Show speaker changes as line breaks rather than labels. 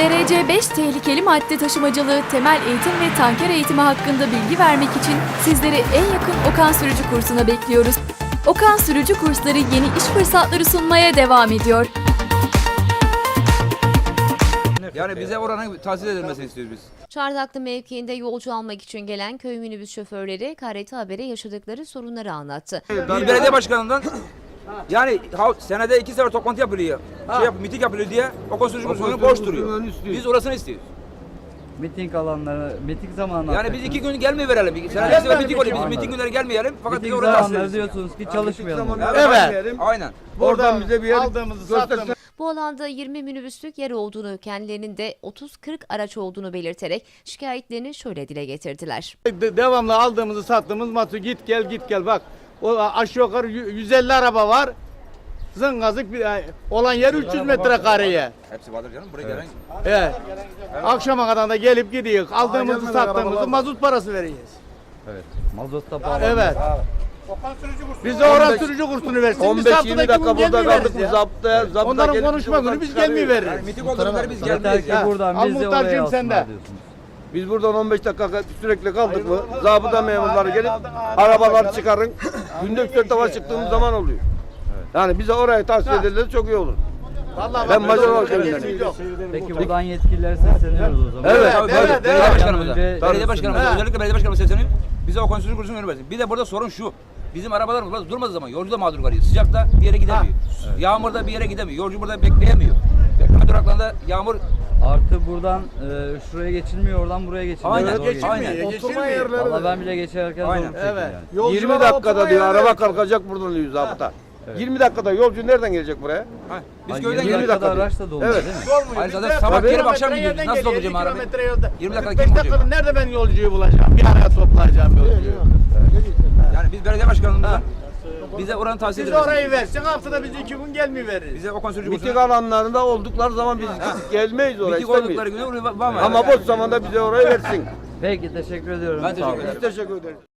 TRC 5 tehlikeli madde taşımacılığı, temel eğitim ve tanker eğitimi hakkında bilgi vermek için sizleri en yakın Okan Sürücü kursuna bekliyoruz. Okan Sürücü kursları yeni iş fırsatları sunmaya devam ediyor.
Yani bize oranın tahsis edilmesini istiyoruz biz.
Çardaklı mevkiinde yolcu almak için gelen köy minibüs şoförleri KRT Haber'e yaşadıkları sorunları anlattı.
Bir belediye başkanından yani senede 2 sefer toplantı yapılıyor. Miting yapılıyor diye Okan Sürücü kursunu boş duruyor. Biz orasını istiyoruz.
Miting alanları, miting zamanı.
Yani biz 2 gün gelmeyi verelim. Senede 2 sefer miting oluyor. Biz miting günleri gelmeyelim. Fakat biz
Miting
orada tahsis
zamanları
ederiz.
diyorsunuz ki çalışmayalım.
Evet.
Aynen.
Oradan bize bir yer göstersin.
Bu alanda 20 minibüslük yer olduğunu, kendilerinin de 30-40 araç olduğunu belirterek şikayetlerini şöyle dile getirdiler.
Devamlı aldığımızı sattığımız matı git gel bak. O aşağı yukarı 150 araba var. Zıngazık olan yer 300 metrekareye.
Hepsi vardır canım. Buraya gelen.
Evet. Akşama kadar da gelip gidiyor. Aldığımızı sattığımızı mazot parası vereceğiz.
Evet. Mazotta pahalı.
Evet. Biz de oran sürücü kursunu versin.
15-20 dakika burada kaldık bu zaptaya.
Onların konuşma günü biz gelmeyi
Yani
veririz.
miting olduğunda biz
Yeter
gelmeyiz.
ki
Ya.
buradan
Al
biz de
muhtarcığım
oraya
sen de.
alsınlar diyorsunuz.
Biz buradan 15 dakika sürekli kaldık mı? Zabıta memurları gelip arabalar çıkarın. Günde 3-4 defa çıktığımız zaman oluyor. Yani bize oraya tahsis edilirse çok iyi olur.
Vallahi
Ben
bak,
Macar
böyle
halkıyım.
bir yok.
Peki buradan yetkililere sesleniyoruz o zaman.
Evet.
Tabii,
evet,
belediye
evet.
başkanımıza.
Önce-
Belediye başkanımıza.
Evet.
Özellikle belediye başkanımıza sesleniyorum. Bize Okan Sürücü kursunu vermesin. Bir de burada sorun şu. Bizim arabalar burada durmadığı zaman yolcu da mağdur kalıyor. Sıcakta bir yere gidemiyor. Yağmurda bir yere gidemiyor. Yolcu burada bekleyemiyor. Bekleme duraklarında yağmur.
Artı buradan şuraya geçilmiyor, oradan buraya geçilmiyor.
Aynen,
Zor geçiyor.
aynen.
Oturma yerleri.
Vallahi ben bile geçerken
Aynen.
zor çektim
Evet.
yani.
20 dakikada diyor araba kalkacak buradan diyor zabıta. 20 dakikada yolcu nereden gelecek buraya?
Ha, biz
Ay,
köyden
20
geliyoruz.
dakikada
dakika
araç da dolmuyor
Evet.
değil mi?
Hayır zaten sabah gelip akşam gidiyoruz. Nasıl olacağım abi? 20 dakika kim bulacak?
Nerede ben yolcuyu bulacağım? Bir araya toplayacağım yolcuyu.
Yani biz belediye başkanımızdan bize oranı tahsis
Biz
ederiz.
orayı versin, haftada biz 2 gün gelmeyi veririz.
Bize Okan Sürücü
Miting
kursuna.
alanlarında oldukları zaman biz gelmeyiz oraya
Miting oldukları
istemeyiz.
günü oraya var mı?
Ama boş zamanda bize orayı versin.
Peki teşekkür ediyorum.
Ben
Sağ olun.
teşekkür ederim.
Biz teşekkür ederiz.